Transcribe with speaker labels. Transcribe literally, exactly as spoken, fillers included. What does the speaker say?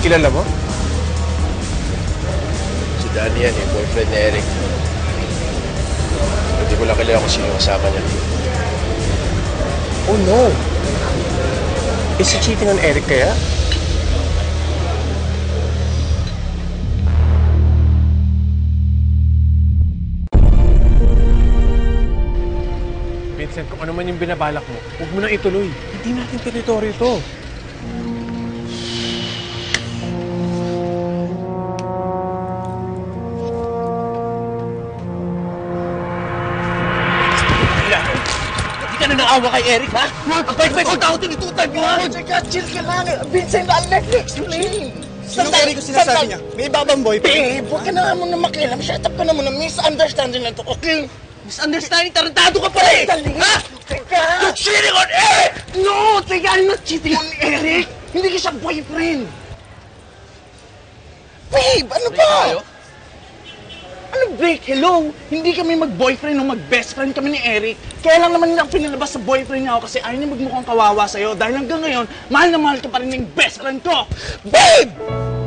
Speaker 1: kilala mo?
Speaker 2: Si Danny yan, yung boyfriend ni Eric. Hindi ko lang kilala kung sino kasama niya.
Speaker 1: Oh no! Is he cheating on Eric kaya? Vincent, kung ano man yung binabalak mo, huwag mo nang ituloy. Hindi natin teritoryo to.
Speaker 3: Hindi ka na naawa kay Eric, ha? Ang bait-bait mo tao, tinitutan mo, ha?
Speaker 4: Teka, chill ka lang. Vincent, let me explain.
Speaker 3: Sinong Eric yung sinasabi niya? May ibabang boyfriend?
Speaker 4: Babe, huwag ka na muna makialam. Shut up ka na muna. Misunderstanding na to, okay?
Speaker 3: Misunderstanding, tarantado ka pa rin!
Speaker 4: Dali!
Speaker 3: Ha?
Speaker 4: Teka!
Speaker 3: You're cheating on Eric!
Speaker 4: No! Teka, I'm not cheating on Eric! Hindi ka siya boyfriend! Babe, ano ba? Ano break? Hello? Hindi kami mag-boyfriend o mag-best friend kami ni Eric. Kaya lang naman nila pinalabas sa boyfriend niya ako kasi ayaw niya magmukhang kawawa sa'yo dahil hanggang ngayon, mahal na mahal ka pa rin ng best friend ko. Babe!